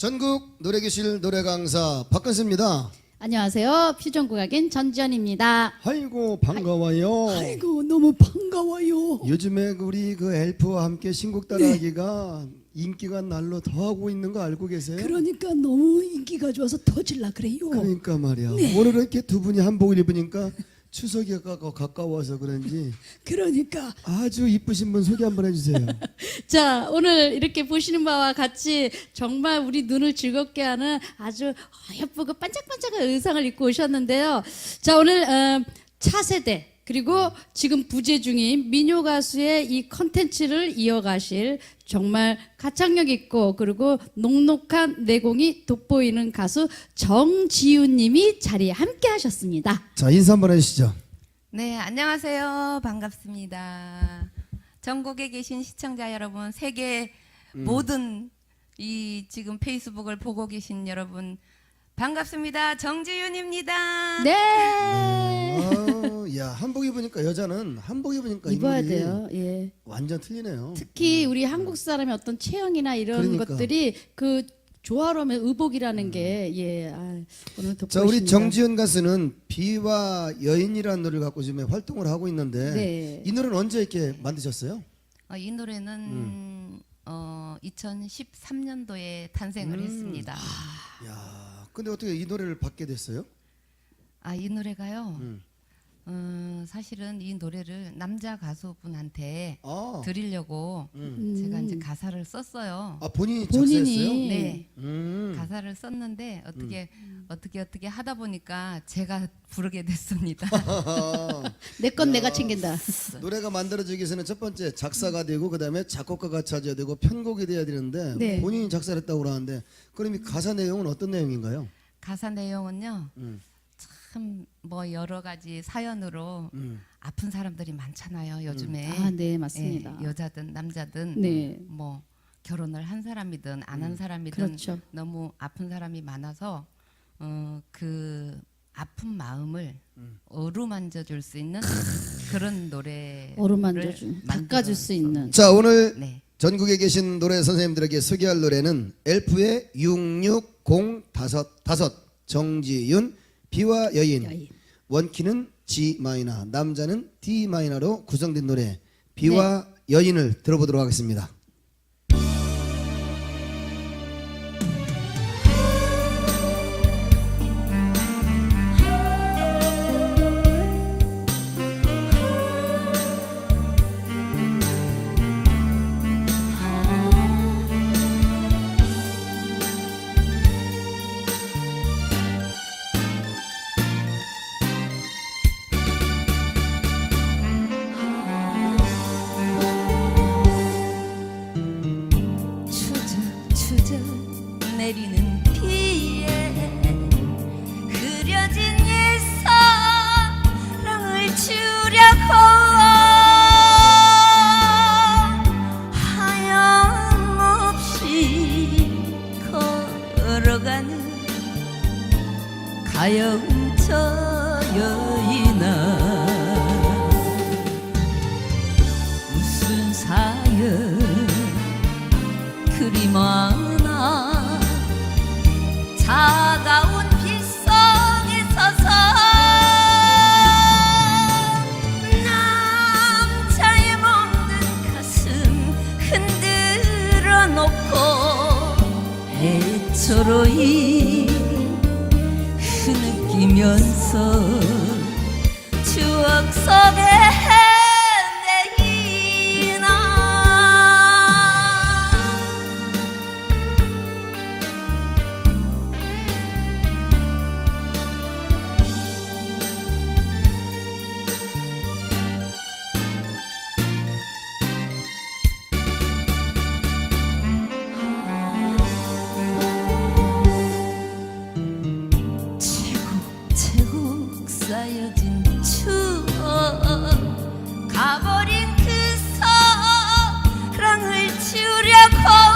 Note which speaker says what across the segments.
Speaker 1: 전국 노래교실 노래강사 박근수입니다.
Speaker 2: 안녕하세요. 퓨전국악인 전지현입니다.
Speaker 1: 아이고 반가워요.
Speaker 3: 아이고 너무 반가워요.
Speaker 1: 요즘에 우리 그 엘프와 함께 신곡 따라하기가 인기가 날로 더하고 있는 거 알고 계세요?
Speaker 3: 그러니까 너무 인기가 좋아서 터질라 그래요.
Speaker 1: 그러니까 말이야. 오늘은 이렇게 두 분이 한복을 입으니까 추석이 가까워서 그런지
Speaker 3: 그러니까
Speaker 1: 아주 이쁘신 분 소개 한번 해주세요.
Speaker 2: 자, 오늘 이렇게 보시는 바와 같이 정말 우리 눈을 즐겁게 하는 아주 예쁘고 반짝반짝한 의상을 입고 오셨는데요. 자, 오늘 차세대 그리고 지금 부재 중인 민요 가수의 이 컨텐츠를 이어가실 정말 가창력 있고 그리고 녹록한 내공이 돋보이는 가수 정지윤 님이 자리에 함께 하셨습니다.
Speaker 1: 자, 인사 한번 해주시죠.
Speaker 4: 네, 안녕하세요. 반갑습니다. 전국에 계신 시청자 여러분, 세계 모든 이 지금 페이스북을 보고 계신 여러분 반갑습니다. 정지윤입니다.
Speaker 2: 네.
Speaker 1: 야, 한복 입으니까 여자는 한복 입으니까
Speaker 2: 입어야
Speaker 1: 인물이
Speaker 2: 돼요. 예.
Speaker 1: 완전 틀리네요.
Speaker 2: 특히 우리 한국 사람의 어떤 체형이나 이런
Speaker 1: 그러니까.
Speaker 2: 것들이 그 조화로움의 의복이라는 게 오늘 돋보이십니다.
Speaker 1: 자, 우리 정지현 가수는 비와 여인이라는 노래를 갖고 지금 활동을 하고 있는데
Speaker 2: 네.
Speaker 1: 이 노래는 언제 이렇게 만드셨어요?
Speaker 4: 이 노래는 2013년도에 탄생을 했습니다.
Speaker 1: 야, 근데 어떻게 이 노래를 받게 됐어요?
Speaker 4: 이 노래가요. 사실은 이 노래를 남자 가수분한테
Speaker 1: 아,
Speaker 4: 드리려고 제가 이제 가사를 썼어요.
Speaker 1: 본인이
Speaker 2: 본인이
Speaker 1: 작사했어요?
Speaker 4: 네.
Speaker 1: 음.
Speaker 4: 가사를 썼는데 어떻게 하다 보니까 제가 부르게 됐습니다.
Speaker 2: 내 건 내가 챙긴다.
Speaker 1: 노래가 만들어지기 위해서는 첫 번째 작사가 되고 그다음에 작곡가가 찾아야 되고 편곡이 돼야 되는데
Speaker 2: 네.
Speaker 1: 본인이 작사를 했다고 그러는데 그럼 이 가사 내용은 어떤 내용인가요?
Speaker 4: 가사 내용은요. 참 뭐 여러 가지 사연으로 아픈 사람들이 많잖아요. 요즘에.
Speaker 2: 네, 맞습니다.
Speaker 4: 예, 여자든 남자든
Speaker 2: 네.
Speaker 4: 뭐 결혼을 한 사람이든 안 한 사람이든
Speaker 2: 그렇죠.
Speaker 4: 너무 아픈 사람이 많아서 그 아픈 마음을 어루만져 줄 수 있는 그런 노래를
Speaker 2: 닦아줄 수 있는.
Speaker 1: 자, 오늘
Speaker 4: 네.
Speaker 1: 전국에 계신 노래 선생님들에게 소개할 노래는 엘프의 660555 정지윤 비와 여인. 원키는 G 마이너, 남자는 D 마이너로 구성된 노래 비와 여인을 들어보도록 하겠습니다.
Speaker 4: 추적추적 내리는 비에 흐려진 옛사랑을 지우려고 하염없이 걸어가는 가여운 저 여인아 무슨 사연 그리 많아 차가운 빗속에 서서 남자의 먹는 가슴 흔들어 놓고 애초로이 흐느끼면서 추억 속에 차곡차곡 쌓여진 추억 가버린 그 사랑을 지우려고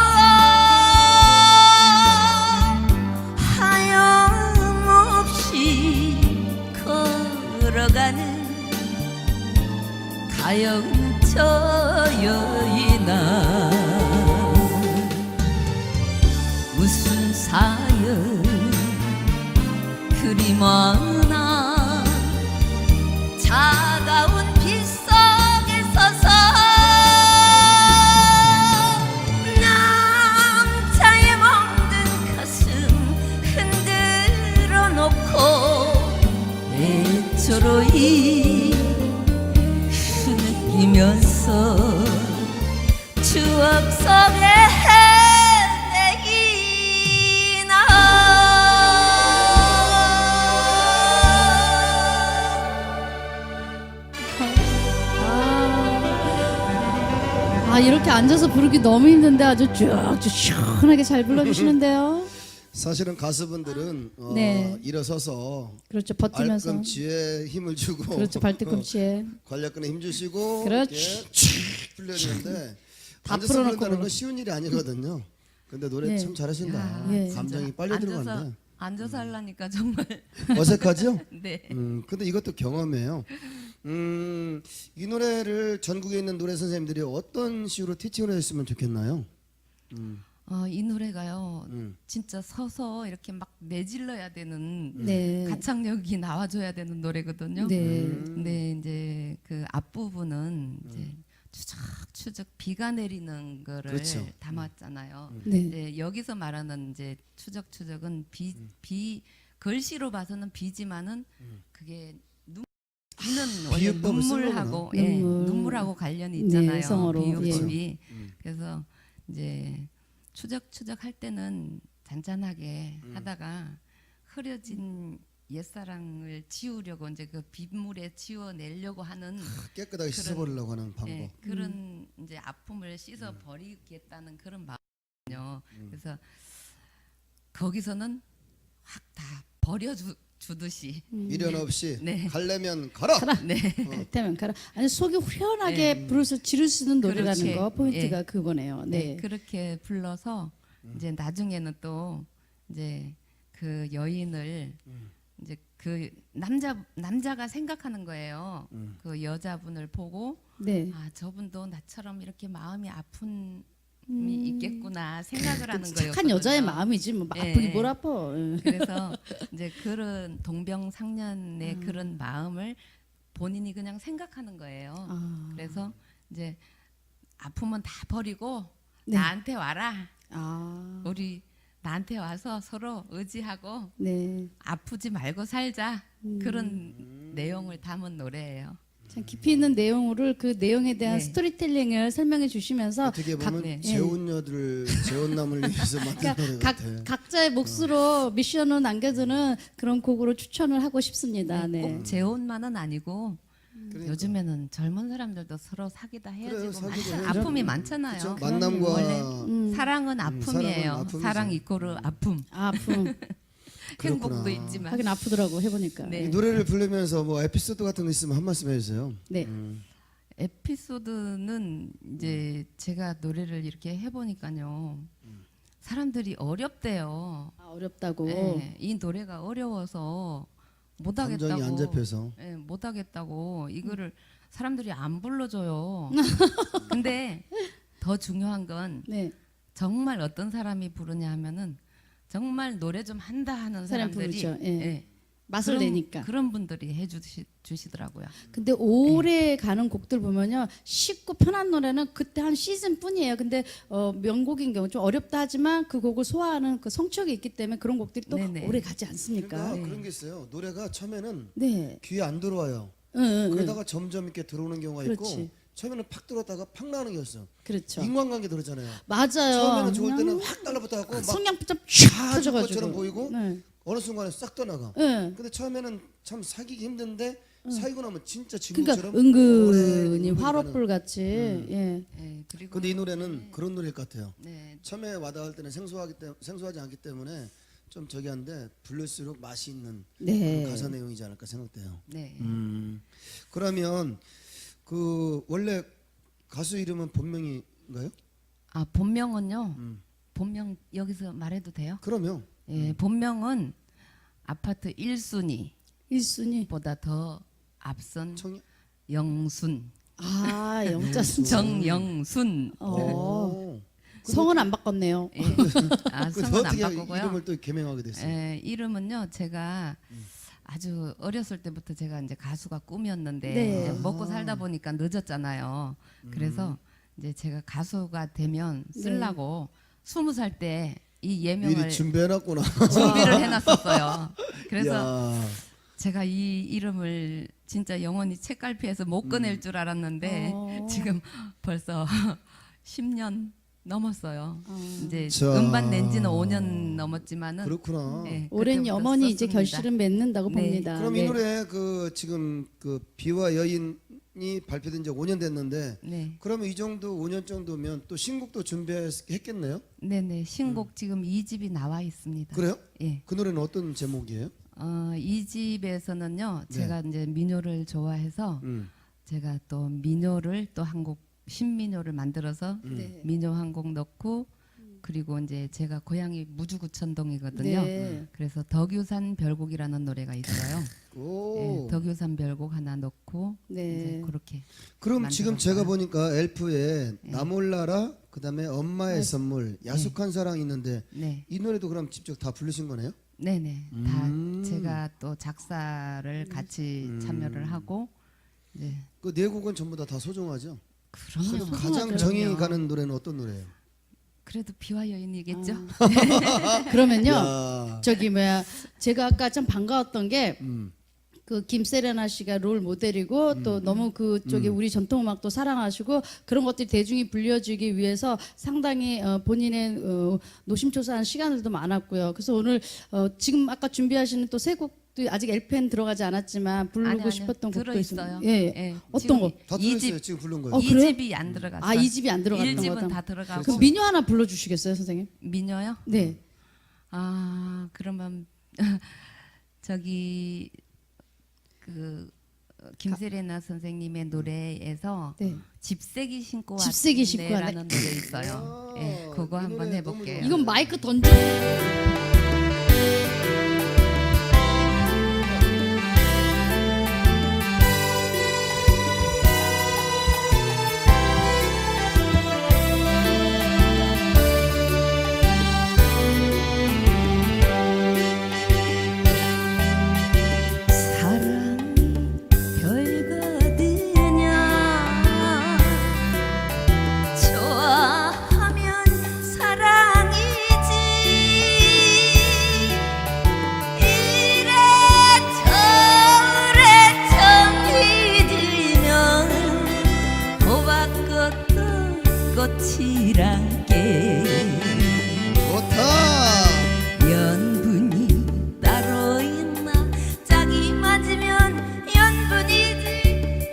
Speaker 4: 하염없이 걸어가는 가여운 저 여인아 무슨
Speaker 5: 사연 그리 많아 차가운 빗속에 서서 남자의 멍든 가슴 흔들어 놓고 애초로이 흐느끼면서 추억 속에
Speaker 2: 이렇게 앉아서 부르기 너무 힘든데 아주 쭉쭉 시원하게 잘 불러주시는데요.
Speaker 1: 사실은 가수분들은
Speaker 2: 네.
Speaker 1: 일어서서
Speaker 2: 그렇죠. 버티면서.
Speaker 1: 발꿈치에 힘을 주고
Speaker 2: 그렇죠. 발뒤꿈치에.
Speaker 1: 관략근에 힘 주시고
Speaker 2: 그렇지.
Speaker 1: 이렇게 쭉 풀려야 되는데
Speaker 2: 다
Speaker 1: 앉아서
Speaker 2: 풀어놓고
Speaker 1: 부른다는 건
Speaker 2: 그러고.
Speaker 1: 쉬운 일이 아니거든요. 근데 노래
Speaker 2: 네.
Speaker 1: 참 잘하신다.
Speaker 4: 야,
Speaker 2: 예.
Speaker 1: 감정이 빨려
Speaker 4: 앉아서
Speaker 1: 들어간다.
Speaker 4: 앉아서 하려니까 정말
Speaker 1: 어색하죠?
Speaker 4: 네.
Speaker 1: 근데 이것도 경험이에요. 이 노래를 전국에 있는 노래 선생님들이 어떤 식으로 티칭을 했으면 좋겠나요?
Speaker 4: 이 노래가요.
Speaker 1: 음.
Speaker 4: 진짜 서서 이렇게 막 내질러야 되는
Speaker 2: 네.
Speaker 4: 가창력이 나와줘야 되는 노래거든요.
Speaker 2: 네.
Speaker 4: 근데 이제 그 앞부분은 이제 추적추적 비가 내리는 거를
Speaker 1: 그렇죠.
Speaker 4: 담았잖아요.
Speaker 2: 네.
Speaker 4: 이제 여기서 말하는 이제 추적추적은 비 글씨로 봐서는 비지만은 그게 비는 원래
Speaker 1: 비유법을 쓴
Speaker 4: 눈물하고
Speaker 2: 거구나.
Speaker 4: 예,
Speaker 2: 눈물.
Speaker 4: 눈물하고 관련이
Speaker 2: 네,
Speaker 4: 있잖아요.
Speaker 2: 성어로.
Speaker 4: 비유법이. 그래서 이제 추적추적 할 때는 잔잔하게 하다가 흐려진 옛사랑을 지우려고 이제 그 빗물에 지워내려고 하는
Speaker 1: 깨끗하게 씻어버리려고 하는 방법.
Speaker 4: 예, 그런 이제 아픔을 씻어 버리겠다는 그런 마음이요. 그래서 거기서는 확 다 버려주듯이
Speaker 1: 미련 없이
Speaker 4: 네.
Speaker 1: 가려면 가라.
Speaker 4: 네.
Speaker 2: 때면 가라. 아니 속이 후련하게 부를 수 지를 수 있는 노래라는
Speaker 4: 그렇지.
Speaker 2: 거 포인트가
Speaker 4: 예.
Speaker 2: 그거네요. 네.
Speaker 4: 네, 그렇게 불러서 이제 나중에는 또 이제 그 여인을 이제 그 남자가 생각하는 거예요. 그 여자분을 보고
Speaker 2: 네.
Speaker 4: 아 저분도 나처럼 이렇게 마음이 아픔이 있겠구나 생각을 하는 거예요.
Speaker 2: 착한 여자의 마음이지 뭐
Speaker 4: 예,
Speaker 2: 아프기
Speaker 4: 예.
Speaker 2: 뭘 아파. 예.
Speaker 4: 그래서 이제 그런 동병상련의 그런 마음을 본인이 그냥 생각하는 거예요.
Speaker 2: 아.
Speaker 4: 그래서 이제 아픔은 다 버리고
Speaker 2: 네.
Speaker 4: 나한테 와라.
Speaker 2: 아.
Speaker 4: 우리 나한테 와서 서로 의지하고
Speaker 2: 네.
Speaker 4: 아프지 말고 살자. 그런 내용을 담은 노래예요.
Speaker 2: 참 깊이 있는 내용을 그 내용에 대한
Speaker 4: 네.
Speaker 2: 스토리텔링을 설명해 주시면서
Speaker 1: 어떻게 보면
Speaker 4: 네.
Speaker 1: 재혼녀들 재혼남을 위해서 만든 노래
Speaker 2: 그러니까
Speaker 1: 같아.
Speaker 2: 각자의 몫으로 미션을 남겨두는 그런 곡으로 추천을 하고 싶습니다. 네.
Speaker 4: 꼭 재혼만은 아니고
Speaker 1: 그러니까.
Speaker 4: 요즘에는 젊은 사람들도 서로 사귀다
Speaker 1: 그래요,
Speaker 4: 헤어지고
Speaker 1: 사귀고
Speaker 4: 많잖아요.
Speaker 1: 헤어지고.
Speaker 4: 아픔이 많잖아요.
Speaker 1: 그렇죠? 만남과
Speaker 4: 원래 사랑은 아픔이에요.
Speaker 1: 사랑은 아픔이죠.
Speaker 4: 사랑 이꼬르 아픔.
Speaker 2: 아픔.
Speaker 1: 그렇구나.
Speaker 4: 행복도 있지만.
Speaker 2: 하긴 아프더라고 해보니까.
Speaker 4: 네.
Speaker 1: 이 노래를 부르면서 뭐 에피소드 같은 거 있으면 한 말씀 해주세요.
Speaker 2: 네.
Speaker 4: 에피소드는 이제 제가 노래를 이렇게 해보니까요. 사람들이 어렵대요.
Speaker 2: 아, 어렵다고.
Speaker 4: 네, 이 노래가 어려워서 못하겠다고.
Speaker 1: 감정이 안 잡혀서.
Speaker 4: 네, 못하겠다고 이거를 사람들이 안 불러줘요. 근데 더 중요한 건
Speaker 2: 네.
Speaker 4: 정말 어떤 사람이 부르냐 하면은 정말 노래 좀 한다 하는
Speaker 2: 사람
Speaker 4: 사람들이
Speaker 2: 부르죠. 예.
Speaker 4: 예,
Speaker 2: 맛을
Speaker 4: 그런-
Speaker 2: 내니까.
Speaker 4: 그런 분들이 해주시더라고요.
Speaker 2: 근데 오래 가는 곡들 보면요 쉽고 편한 노래는 그때 한 시즌뿐이에요. 근데 명곡인 경우 좀 어렵다 하지만 그 곡을 소화하는 그 성취욕이 있기 때문에 그런 곡들이 또
Speaker 4: 네네.
Speaker 2: 오래 가지 않습니까?
Speaker 1: 그러니까 그런 게 있어요. 노래가 처음에는
Speaker 2: 네.
Speaker 1: 귀에 안 들어와요.
Speaker 2: 응, 응, 응.
Speaker 1: 그러다가 점점 이렇게 들어오는 경우가 있고
Speaker 2: 그렇지.
Speaker 1: 처음에는 팍 들어왔다가 팍 나가는 게 있어요.
Speaker 2: 그렇죠.
Speaker 1: 인간관계 들었잖아요.
Speaker 2: 맞아요.
Speaker 1: 처음에는 좋을 때는
Speaker 2: 그냥
Speaker 1: 확 달라붙어갖고 막
Speaker 2: 성냥붙잡
Speaker 1: 쫙
Speaker 2: 터져가지고.
Speaker 1: 것처럼 보이고
Speaker 2: 네.
Speaker 1: 어느 순간에 싹 떠나가.
Speaker 2: 네.
Speaker 1: 근데 처음에는 참 사귀기 힘든데 사귀고 나면 진짜
Speaker 2: 그러니까
Speaker 1: 친구처럼
Speaker 2: 은근히
Speaker 1: 오래
Speaker 2: 화로불 같이. 예.
Speaker 4: 예, 그리고
Speaker 1: 근데 이 노래는 그런 노래일 것 같아요.
Speaker 4: 네,
Speaker 1: 처음에 와닿을 때는 생소하지 않기 때문에 좀 저기 한데 부를수록 맛이 있는
Speaker 2: 네.
Speaker 1: 그런 가사 내용이지 않을까 생각돼요.
Speaker 4: 네.
Speaker 1: 그러면 그 원래 가수 이름은 본명인가요?
Speaker 4: 아 본명은요. 본명 여기서 말해도 돼요?
Speaker 1: 그러면
Speaker 4: 예, 본명은 아파트 1순위보다
Speaker 2: 1순위.
Speaker 4: 더 앞선
Speaker 1: 청이
Speaker 4: 영순,
Speaker 2: 아, 영자 순.
Speaker 4: 정영순.
Speaker 2: 어.
Speaker 1: 오.
Speaker 2: 성은 안 바꿨네요.
Speaker 4: 예. 아,
Speaker 1: 근데
Speaker 4: 성은 안
Speaker 1: 어떻게
Speaker 4: 바꾸고요.
Speaker 1: 이름을 또 개명하게 됐어요?
Speaker 4: 예, 이름은요. 제가 아주 어렸을 때부터 제가 이제 가수가 꿈이었는데
Speaker 2: 네.
Speaker 4: 이제 먹고 살다 보니까 늦었잖아요. 그래서 이제 제가 가수가 되면 쓰려고 20살 때 이 예명을
Speaker 1: 미리 준비해놨구나.
Speaker 4: 준비를 해놨었어요. 그래서
Speaker 1: 야.
Speaker 4: 제가 이 이름을 진짜 영원히 책갈피에서 못 꺼낼 줄 알았는데 지금 벌써 10년 넘었어요. 이제
Speaker 1: 자.
Speaker 4: 음반 낸 지는 5년 넘었지만은
Speaker 1: 그렇구나.
Speaker 4: 예,
Speaker 2: 오랜
Speaker 4: 그때부터
Speaker 2: 염원이 이제
Speaker 4: 썼습니다.
Speaker 2: 결실은 맺는다고
Speaker 4: 네.
Speaker 2: 봅니다.
Speaker 1: 그럼
Speaker 2: 네.
Speaker 1: 이 노래 그 지금 그 비와 여인이 발표된 지 5년 됐는데
Speaker 4: 네,
Speaker 1: 그러면 이 정도 5년 정도면 또 신곡도 준비했겠네요?
Speaker 4: 네네 신곡 지금 2집이 나와 있습니다.
Speaker 1: 그래요?
Speaker 4: 예,
Speaker 1: 그 노래는 어떤 제목이에요?
Speaker 4: 2집에서는요
Speaker 1: 네.
Speaker 4: 제가 이제 민요를 좋아해서 제가 또 민요를 또 한 곡 신민요를 만들어서
Speaker 2: 네.
Speaker 4: 민요 한 곡 넣고 그리고 이제 제가 고향이 무주구천동이거든요.
Speaker 2: 네.
Speaker 4: 그래서 덕유산 별곡이라는 노래가 있어요.
Speaker 1: 오.
Speaker 4: 예, 덕유산 별곡 하나 넣고
Speaker 2: 네.
Speaker 4: 이제 그렇게
Speaker 1: 그럼 지금
Speaker 4: 만들었어요.
Speaker 1: 제가 보니까 엘프에
Speaker 4: 네.
Speaker 1: 나 몰라라 그다음에 엄마의
Speaker 2: 네.
Speaker 1: 선물 야속한 사랑이 있는데
Speaker 4: 네,
Speaker 1: 이 노래도 그럼 직접 다 부르신 거네요?
Speaker 4: 네네 다 제가 또 작사를 같이 참여를 하고 이제
Speaker 1: 그 네 곡은 전부 다 소중하죠?
Speaker 4: 그럼요.
Speaker 1: 그럼 가장
Speaker 4: 그럼요.
Speaker 1: 정이 가는 노래는 어떤 노래예요?
Speaker 4: 그래도 비와 여인이겠죠.
Speaker 2: 그러면요.
Speaker 1: 야.
Speaker 2: 저기 뭐야 제가 아까 참 반가웠던 게
Speaker 1: 음.
Speaker 2: 그 김세레나 씨가 롤 모델이고 또 너무 그쪽에 우리 전통 음악도 사랑하시고 그런 것들이 대중이 불려지기 위해서 상당히 본인의 노심초사한 시간들도 많았고요. 그래서 오늘 지금 아까 준비하시는 또 세 곡도 아직 LP엔 들어가지 않았지만 부르고
Speaker 4: 아니요,
Speaker 2: 싶었던 곡도
Speaker 4: 들어
Speaker 2: 있습니다.
Speaker 4: 있어요.
Speaker 2: 예. 어떤 거?
Speaker 1: 다
Speaker 4: 이
Speaker 1: 들었어요.
Speaker 4: 집
Speaker 1: 지금 부른 거예요.
Speaker 2: 어, 그래요?
Speaker 4: 2집이 안 들어갔어요.
Speaker 2: 아, 이 집이 안 들어갔던
Speaker 4: 1집은
Speaker 2: 거다.
Speaker 4: 다 들어가고
Speaker 2: 그 민요 하나 불러주시겠어요, 선생님?
Speaker 4: 민요요?
Speaker 2: 네.
Speaker 4: 아 그러면 저기 그 김세레나 선생님의 노래에서
Speaker 2: 네.
Speaker 4: 집세기 신고
Speaker 2: 집세기 신고
Speaker 4: 왔네라는 노래 있어요. 예, 그거
Speaker 1: 이
Speaker 4: 한번
Speaker 1: 노래
Speaker 4: 해볼게요.
Speaker 1: 너무
Speaker 2: 이건 마이크 던져.
Speaker 5: 사랑이 별거드냐 좋아하면 사랑이지 이래저래 정이 들면 호박꽃도 꽃이란게
Speaker 1: 좋다.
Speaker 5: 연분이 따로 있나 짝이 맞으면 연분이지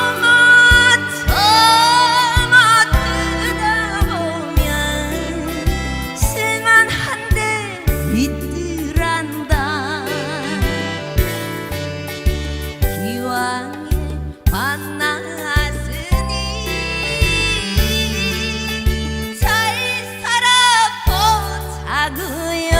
Speaker 5: 영어처럼 뜯어보면 실만한데 있더란다 기왕에 만났으니 잘 살아보자구요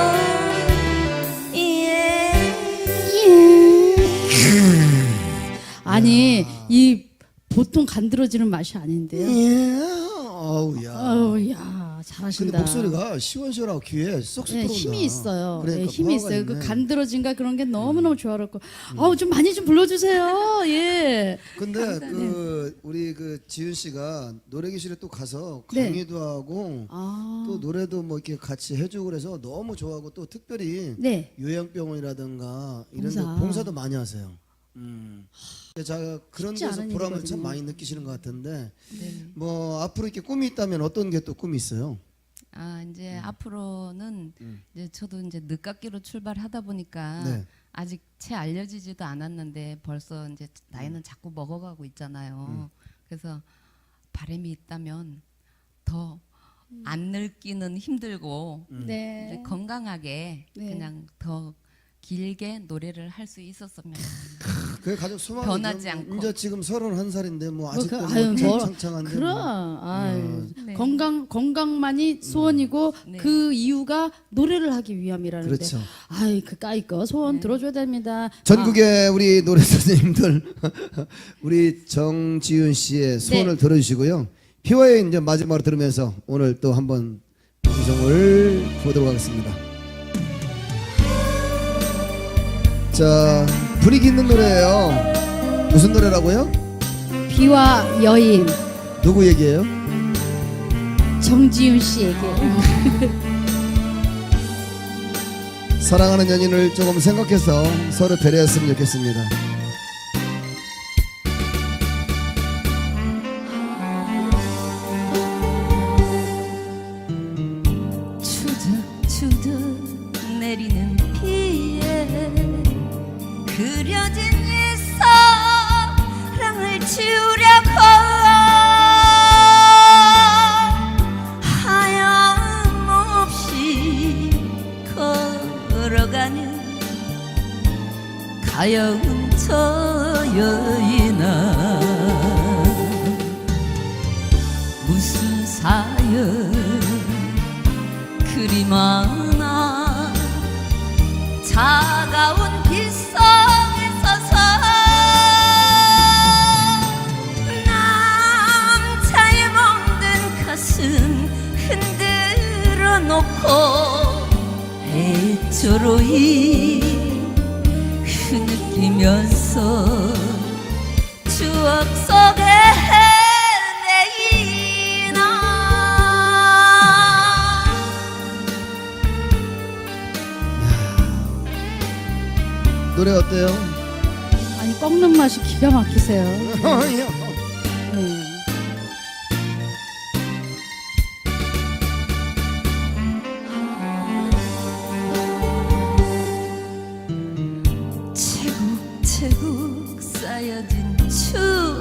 Speaker 2: 아니 이 보통 간드러지는 맛이 아닌데요.
Speaker 1: 예. 어우 야.
Speaker 2: 아우 야 잘하신다.
Speaker 1: 근데 목소리가 시원시원하고 귀에 쏙쏙
Speaker 2: 네,
Speaker 1: 들어온다.
Speaker 2: 힘이 있어요.
Speaker 1: 그러니까
Speaker 2: 네, 힘이
Speaker 1: 파워가
Speaker 2: 있어요. 그
Speaker 1: 있네.
Speaker 2: 간드러진가 그런 게 너무너무 조화롭고. 아우 좀 많이 좀 불러주세요. 예.
Speaker 1: 근데 그 우리 그 지윤 씨가 노래교실에 또 가서
Speaker 2: 네.
Speaker 1: 강의도 하고
Speaker 2: 아.
Speaker 1: 또 노래도 뭐 이렇게 같이 해주고 그래서 너무 좋아하고 또 특별히
Speaker 2: 네.
Speaker 1: 요양병원이라든가 이런 데
Speaker 2: 봉사.
Speaker 1: 봉사도 많이 하세요. 제가 그런
Speaker 2: 쉽지
Speaker 1: 데서
Speaker 2: 않은
Speaker 1: 보람을
Speaker 2: 일이거든요.
Speaker 1: 참 많이 느끼시는 것 같은데
Speaker 4: 네.
Speaker 1: 뭐 앞으로 이렇게 꿈이 있다면 어떤 게 또 꿈이 있어요?
Speaker 4: 아 이제 앞으로는 이제 저도 이제 늦깎이로 출발하다 보니까
Speaker 1: 네.
Speaker 4: 아직 채 알려지지도 않았는데 벌써 이제 나이는 자꾸 먹어가고 있잖아요. 그래서 바람이 있다면 더 안 늙기는 힘들고
Speaker 2: 네.
Speaker 4: 이제 건강하게
Speaker 2: 네.
Speaker 4: 그냥 더 길게 노래를 할 수 있었으면
Speaker 1: 그게 가장 소망이죠.
Speaker 4: 변하지 않고.
Speaker 1: 이제 지금 31살인데 뭐 아직도
Speaker 2: 그, 아유,
Speaker 1: 뭐
Speaker 2: 뭐,
Speaker 1: 창창한데
Speaker 2: 그럼
Speaker 1: 뭐.
Speaker 2: 아유,
Speaker 4: 네.
Speaker 2: 건강만이 소원이고
Speaker 4: 네.
Speaker 2: 그 이유가 노래를 하기 위함이라는데.
Speaker 1: 그렇죠.
Speaker 2: 아이 그까이 거 소원 들어줘야 됩니다.
Speaker 1: 전국의 우리 노래 선생님들 우리 정지윤 씨의 소원을 들어주시고요. 비와 여인 이제 마지막으로 들으면서 오늘 또 한번 방송을 보도록 하겠습니다. 자, 분위기 있는 노래예요. 무슨 노래라고요?
Speaker 2: 비와 여인
Speaker 1: 누구 얘기예요?
Speaker 2: 정지윤 씨에게.
Speaker 1: 사랑하는 연인을 조금 생각해서 서로 배려했으면 좋겠습니다.
Speaker 5: 추적추적 내리는 비에 그려진 이 사랑을 지우려고 하염없이 걸어가는 가여운 저 여인아 무슨 사연 그리 많아 차가운 빗속에 서서 남자의 멍든 가슴 흔들어 놓고 애초로이 흐느끼면서 추억 속에
Speaker 1: 노래 어때요?
Speaker 2: 아니 꺾는 맛이 기가 막히세요. 네.
Speaker 5: 채국채국 쌓여진 추억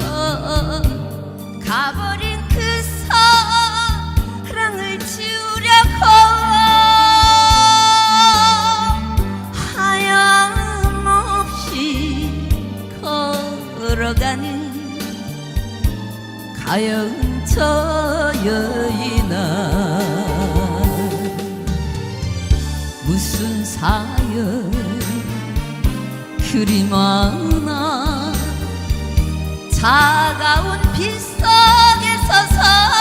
Speaker 5: 가버린 그 사랑을 지우려고 하염없이 걸어가는 가여운 저 여인아 무슨 사연 그리 많아 차가운 빗속에 서서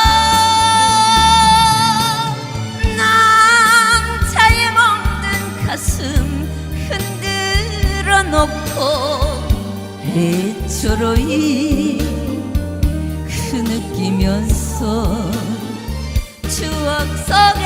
Speaker 5: 남자의 멍든 가슴 흔들어 놓고 애초로이 흐느끼면서 추억 속에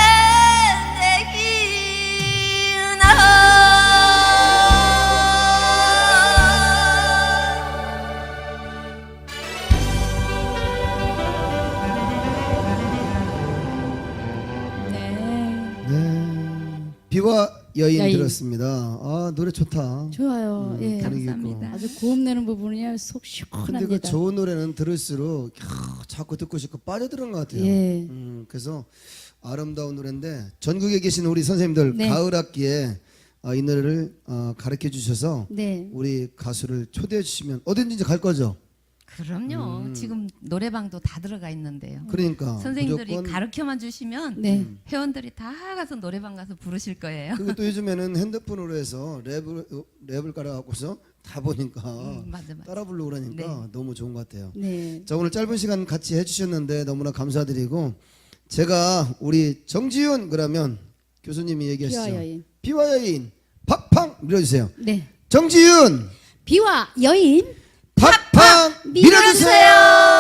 Speaker 1: 비와 여인
Speaker 2: 여인.
Speaker 1: 들었습니다. 아, 노래 좋다.
Speaker 2: 좋아요. 예.
Speaker 1: 분위기 있고.
Speaker 4: 감사합니다.
Speaker 2: 아주 고음내는 부분이 속
Speaker 1: 근데
Speaker 2: 시원합니다.
Speaker 1: 그 좋은 노래는 들을수록 자꾸 듣고 싶고 빠져드는 것 같아요.
Speaker 2: 예.
Speaker 1: 그래서 아름다운 노래인데 전국에 계신 우리 선생님들
Speaker 2: 네.
Speaker 1: 가을 학기에 이 노래를 가르쳐 주셔서
Speaker 2: 네.
Speaker 1: 우리 가수를 초대해 주시면 어딘지 갈 거죠.
Speaker 4: 그럼요. 지금 노래방도 다 들어가 있는데요.
Speaker 1: 그러니까
Speaker 4: 선생님들이
Speaker 1: 무조건.
Speaker 4: 가르쳐만 주시면
Speaker 2: 네.
Speaker 4: 회원들이 다 가서 노래방 가서 부르실 거예요.
Speaker 1: 그리고 또 요즘에는 핸드폰으로 해서 랩을 깔아갖고서 다 보니까
Speaker 4: 맞아.
Speaker 1: 따라 부르고 그러니까
Speaker 4: 네.
Speaker 1: 너무 좋은 것 같아요.
Speaker 2: 네.
Speaker 1: 자, 오늘 짧은 시간 같이 해주셨는데 너무나 감사드리고 제가 우리 정지윤 그러면 교수님이 얘기하시죠.
Speaker 2: 비와 여인.
Speaker 1: 비와 여인 팍팡 밀어주세요.
Speaker 2: 네.
Speaker 1: 정지윤
Speaker 2: 비와 여인
Speaker 1: 팍팡 밀어주세요.